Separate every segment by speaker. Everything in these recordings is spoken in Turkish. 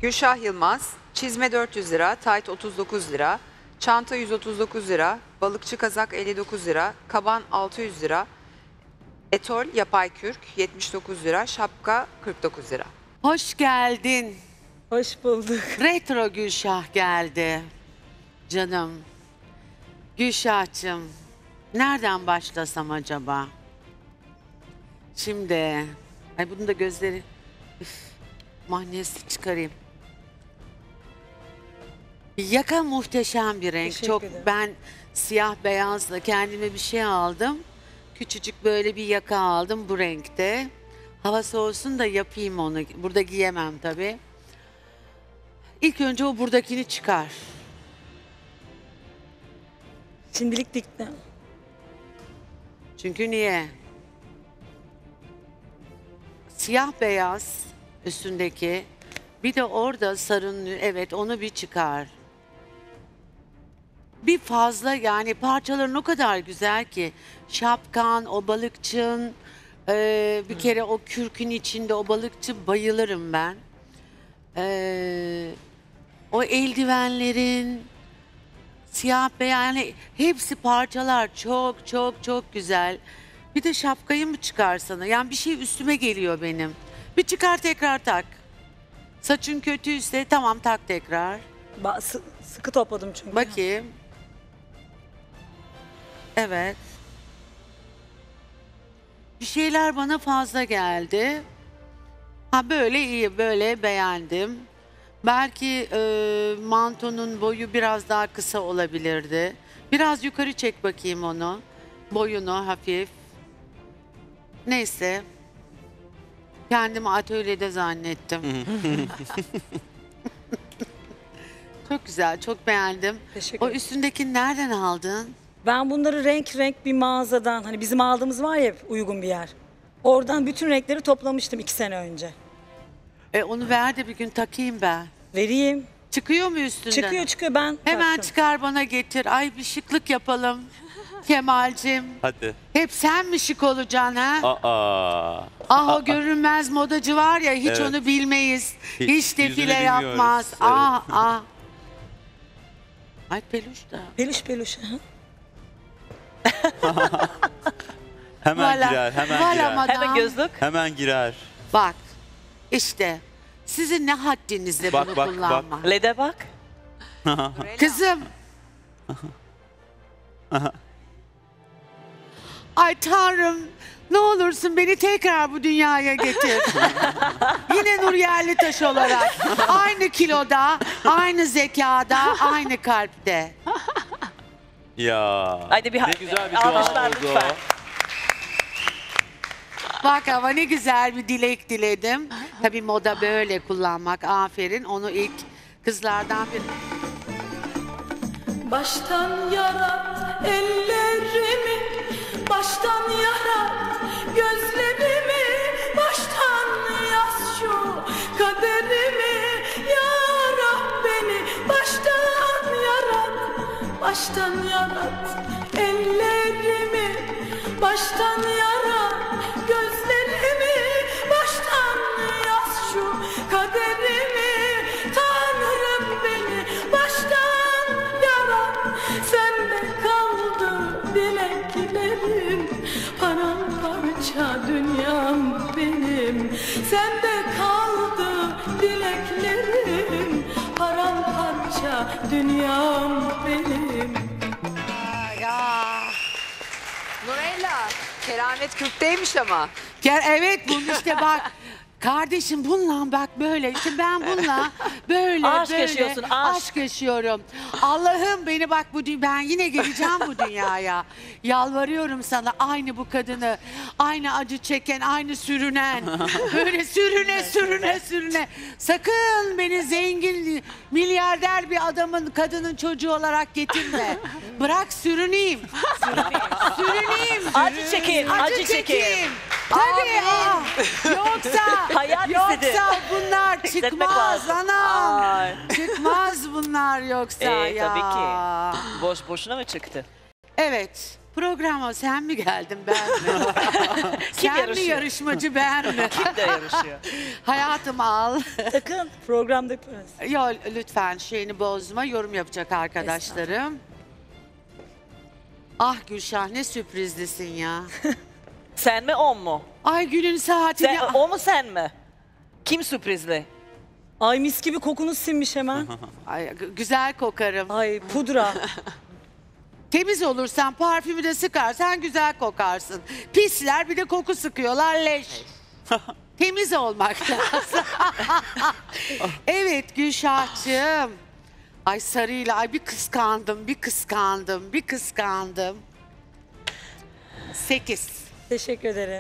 Speaker 1: Gülşah Yılmaz, çizme 400 lira, tayt 39 lira, çanta 139 lira, balıkçı kazak 59 lira, kaban 600 lira, etol yapay kürk 79 lira, şapka 49 lira.
Speaker 2: Hoş geldin.
Speaker 3: Hoş bulduk.
Speaker 2: Retro Gülşah geldi. Canım. Gülşah'cığım, nereden başlasam acaba? Şimdi, ay bunun da gözleri, üf, mahnesi çıkarayım. Yaka muhteşem bir renk.
Speaker 3: Teşekkür
Speaker 2: Çok
Speaker 3: ederim.
Speaker 2: ben siyah beyazla kendime bir şey aldım. Küçücük böyle bir yaka aldım bu renkte. Hava soğusun da yapayım onu. Burada giyemem tabii. İlk önce o buradakini çıkar.
Speaker 3: Şimdilik diktim.
Speaker 2: Çünkü niye? Siyah beyaz üstündeki. Bir de orada sarınlı, evet onu bir çıkar. Bir fazla yani parçaların o kadar güzel ki. Şapkan, o balıkçın, bir kere o kürkün içinde o balıkçı bayılırım ben. O eldivenlerin, siyah beyaz yani hepsi parçalar çok çok çok güzel. Bir de şapkayı mı çıkarsana? Yani bir şey üstüme geliyor benim. Bir çıkar tekrar tak. Saçın kötüyse tamam tak tekrar.
Speaker 3: Sıkı topladım çünkü.
Speaker 2: Bakayım. Evet. Bir şeyler bana fazla geldi. Ha böyle iyi, böyle beğendim. Belki mantonun boyu biraz daha kısa olabilirdi. Biraz yukarı çek bakayım onu. Boyunu hafif. Neyse. Kendimi atölyede zannettim. Çok güzel, çok beğendim.
Speaker 3: Teşekkür
Speaker 2: O
Speaker 3: ederim.
Speaker 2: üstündeki nereden aldın?
Speaker 3: Ben bunları renk renk bir mağazadan, hani bizim aldığımız var ya uygun bir yer. Oradan bütün renkleri toplamıştım 2 sene önce.
Speaker 2: Onu ver de bir gün takayım ben.
Speaker 3: Vereyim.
Speaker 2: Çıkıyor mu üstünden?
Speaker 3: Çıkıyor ben
Speaker 2: Hemen
Speaker 3: taktım.
Speaker 2: çıkar bana getir. Ay bir şıklık yapalım. Kemal'cim.
Speaker 4: Hadi.
Speaker 2: Hep sen mi şık olacaksın ha?
Speaker 4: Aa.
Speaker 2: Ah o görünmez modacı var ya hiç
Speaker 4: Evet.
Speaker 2: onu bilmeyiz.
Speaker 4: Hiç
Speaker 2: Hiç defile
Speaker 4: yüzünü bilmiyoruz.
Speaker 2: yapmaz.
Speaker 4: Evet.
Speaker 2: Ah ah. Ay peluş da.
Speaker 3: Peluş. Hı.
Speaker 4: Hemen
Speaker 2: Voilà.
Speaker 4: girer, hemen
Speaker 2: Voilà
Speaker 4: girer.
Speaker 2: madame.
Speaker 5: Hemen gözlük.
Speaker 4: Hemen girer.
Speaker 2: Bak işte sizin ne haddinizde
Speaker 4: Bak,
Speaker 2: bunu
Speaker 4: bak,
Speaker 2: kullanmak.
Speaker 5: LED'e bak.
Speaker 2: Kızım. Ay Tanrım ne olursun beni tekrar bu dünyaya getir. Yine Nur Yerlitaş olarak. Aynı kiloda, aynı zekada, aynı kalpte.
Speaker 4: Ya.
Speaker 5: Haydi bir
Speaker 4: ne güzel bir
Speaker 5: alkışlar
Speaker 4: dua oldu o.
Speaker 5: lütfen.
Speaker 2: Bak ama ne güzel bir dilek diledim. Tabii moda böyle kullanmak. Aferin. Onu ilk kızlardan bir...
Speaker 6: Baştan yarat ellerimi, baştan yarat gözlerimi, baştan yaz şu kaderimi, yarat beni, baştan yarat ellerimi, baştan yarat gözlerimi, baştan yaz şu kaderimi, Tanrım beni baştan yarat, sende kaldı dileklerim, paramparça dünyam benim, sende kaldı dileklerim, paramparça dünyam benim.
Speaker 2: Ya.
Speaker 1: Nurella, keramet kürkteymiş ama.
Speaker 2: Gel evet bunu işte bak. Kardeşim bununla bak böyle işte ben bununla böyle
Speaker 5: Aşk
Speaker 2: böyle
Speaker 5: yaşıyorsun, aşk.
Speaker 2: yaşıyorum. Allah'ım beni bak ben yine geleceğim bu dünyaya. Yalvarıyorum sana aynı bu kadını, aynı acı çeken, aynı sürünen, böyle sürüne. Sakın beni zengin, milyarder bir adamın, kadının çocuğu olarak getirme. Bırak sürüneyim. Sürüneyim.
Speaker 5: Acı çekeyim, acı çekeyim.
Speaker 2: Tabii. Yoksa
Speaker 5: Hayat istedi.
Speaker 2: bunlar
Speaker 5: Hissetmek
Speaker 2: çıkmaz
Speaker 5: lazım.
Speaker 2: anam.
Speaker 5: Ay.
Speaker 2: Çıkmaz bunlar yoksa ya.
Speaker 5: Tabii ki. Boşuna mı çıktı?
Speaker 2: Evet. Programa sen mi geldin ben mi?
Speaker 5: Kim
Speaker 2: Sen mi
Speaker 5: yarışıyor?
Speaker 2: yarışmacı ben mi?
Speaker 5: Kim de yarışıyor?
Speaker 2: Hayatım al.
Speaker 3: Sakın programda yaparız.
Speaker 2: Yo lütfen şeyini bozma. Yorum yapacak arkadaşlarım. Ah Gülşah ne sürprizlisin ya.
Speaker 5: Sen mi o mu?
Speaker 2: Ay günün saatini...
Speaker 5: Sen, o mu sen mi? Kim sürprizli?
Speaker 3: Ay mis gibi kokunuz sinmiş hemen.
Speaker 2: Ay, güzel kokarım.
Speaker 3: Ay pudra.
Speaker 2: Temiz olursan parfümü de sıkarsan güzel kokarsın. Pisler bir de koku sıkıyorlar leş. Temiz olmak lazım. Evet Gülşah'cığım. Ay sarıyla ay bir kıskandım, bir kıskandım, bir kıskandım. 8.
Speaker 3: Teşekkür ederim.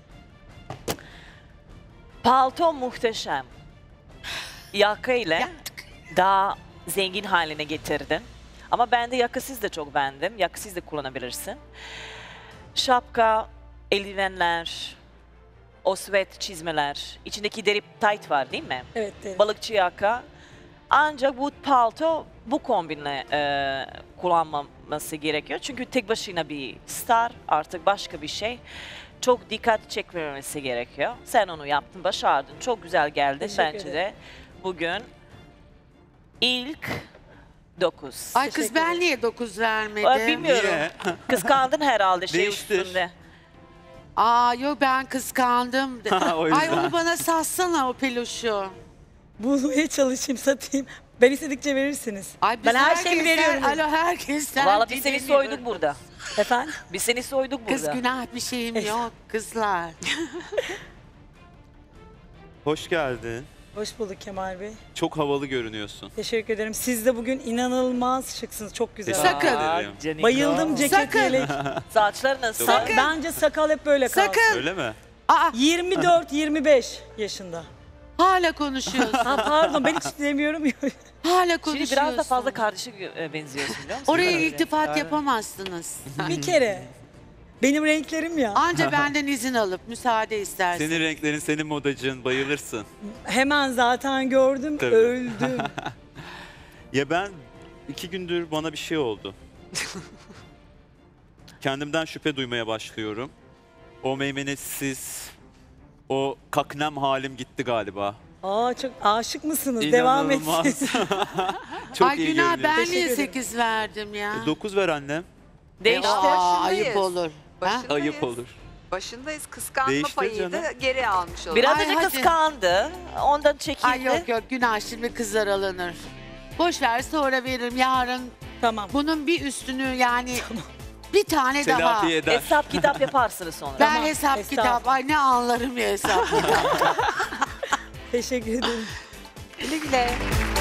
Speaker 5: Palto muhteşem. Yaka ile
Speaker 2: Yaptık.
Speaker 5: daha zengin haline getirdin. Ama ben de yakasız da çok beğendim. Yakasız da kullanabilirsin. Şapka, eldivenler, o sweat çizmeler, içindeki deri tight var değil mi?
Speaker 3: Evet. evet.
Speaker 5: Balıkçı yaka. Ancak bu palto bu kombinle kullanmaması gerekiyor. Çünkü tek başına bir star, artık başka bir şey. Çok dikkat çekmemesi gerekiyor. Sen onu yaptın, başardın. Çok güzel geldin
Speaker 3: Teşekkür
Speaker 5: bence de. Bugün ilk 9.
Speaker 2: Ay kız
Speaker 3: Teşekkür
Speaker 2: ben
Speaker 3: ederim.
Speaker 2: niye 9 vermedim?
Speaker 5: Bilmiyorum.
Speaker 4: Niye?
Speaker 5: Kıskandın herhalde şey
Speaker 4: Değiştir.
Speaker 5: üstünde.
Speaker 2: Aa yok ben kıskandım.
Speaker 4: O
Speaker 2: Ay
Speaker 4: yüzden.
Speaker 2: onu bana satsana o peluşu.
Speaker 3: Bulmaya çalışayım, satayım. Ben istedikçe verirsiniz.
Speaker 2: Ay biz
Speaker 3: Ben her şeyimi
Speaker 2: herkesten-
Speaker 3: veriyorum.
Speaker 2: Alo herkesten.
Speaker 5: Valla biz seni
Speaker 2: dinlemiyoruz.
Speaker 5: soyduk burada.
Speaker 3: Efendim?
Speaker 5: Biz seni soyduk
Speaker 2: Kız
Speaker 5: burada.
Speaker 2: günah bir şeyim yok kızlar.
Speaker 4: Hoş geldin.
Speaker 3: Hoş bulduk Kemal Bey.
Speaker 4: Çok havalı görünüyorsun.
Speaker 3: Teşekkür ederim. Siz de bugün inanılmaz şıksınız. Çok güzel.
Speaker 4: Teşekkür
Speaker 2: Sakın.
Speaker 4: ederim.
Speaker 5: Canika.
Speaker 3: Bayıldım ceket
Speaker 2: Sakın.
Speaker 3: yelek.
Speaker 5: Saçlar nasıl?
Speaker 2: Sakın.
Speaker 3: Bence sakal hep böyle kalsın.
Speaker 2: Sakın.
Speaker 4: Öyle mi?
Speaker 2: Aa
Speaker 3: 24-25 yaşında.
Speaker 2: hala konuşuyorsun.
Speaker 3: Ha pardon ben hiç demiyorum.
Speaker 2: Hala konuşuyorsun.
Speaker 5: Şimdi biraz da fazla kardeşe benziyorsun biliyor musun?
Speaker 2: Oraya
Speaker 5: Bence.
Speaker 2: iltifat yapamazsınız.
Speaker 3: Bir kere. Benim renklerim ya.
Speaker 2: Anca benden izin alıp müsaade istersin.
Speaker 4: Senin renklerin, senin modacın, bayılırsın.
Speaker 3: Hemen zaten gördüm,
Speaker 4: Tabii.
Speaker 3: öldüm.
Speaker 4: Ya ben 2 gündür bana bir şey oldu. Kendimden şüphe duymaya başlıyorum. O meymenetsiz, o kaknem halim gitti galiba.
Speaker 3: Aa çok aşık mısınız? Devam
Speaker 4: İnanılmaz.
Speaker 3: etsin.
Speaker 4: Çok
Speaker 2: Ay
Speaker 4: iyi
Speaker 2: günah
Speaker 4: görünüyor.
Speaker 2: ben
Speaker 3: Teşekkür
Speaker 2: niye
Speaker 3: ederim.
Speaker 2: 8 verdim ya?
Speaker 4: 9 ver annem.
Speaker 5: Değiştir.
Speaker 2: Aa,
Speaker 1: Başındayız.
Speaker 2: ayıp olur. Ha?
Speaker 1: Başındayız.
Speaker 4: Ayıp olur.
Speaker 1: Başındayız. Kıskanma
Speaker 4: Değiştir
Speaker 1: payını
Speaker 4: canım.
Speaker 1: da geri almış olalım.
Speaker 5: Biraz
Speaker 2: Ay,
Speaker 5: önce
Speaker 2: hadi.
Speaker 5: kıskandı. Ondan çekildi.
Speaker 2: Ay yok yok günah şimdi kızlar alınır. Boş ver sonra veririm yarın.
Speaker 3: Tamam.
Speaker 2: Bunun bir üstünü yani bir tane daha.
Speaker 4: Telafi eder.
Speaker 5: Hesap kitap yaparsınız sonra.
Speaker 2: Ben
Speaker 3: Tamam,
Speaker 2: hesap
Speaker 3: hesap.
Speaker 2: kitap ay ne anlarım ya hesap kitap.
Speaker 3: Teşekkür ederim.
Speaker 1: Güle güle.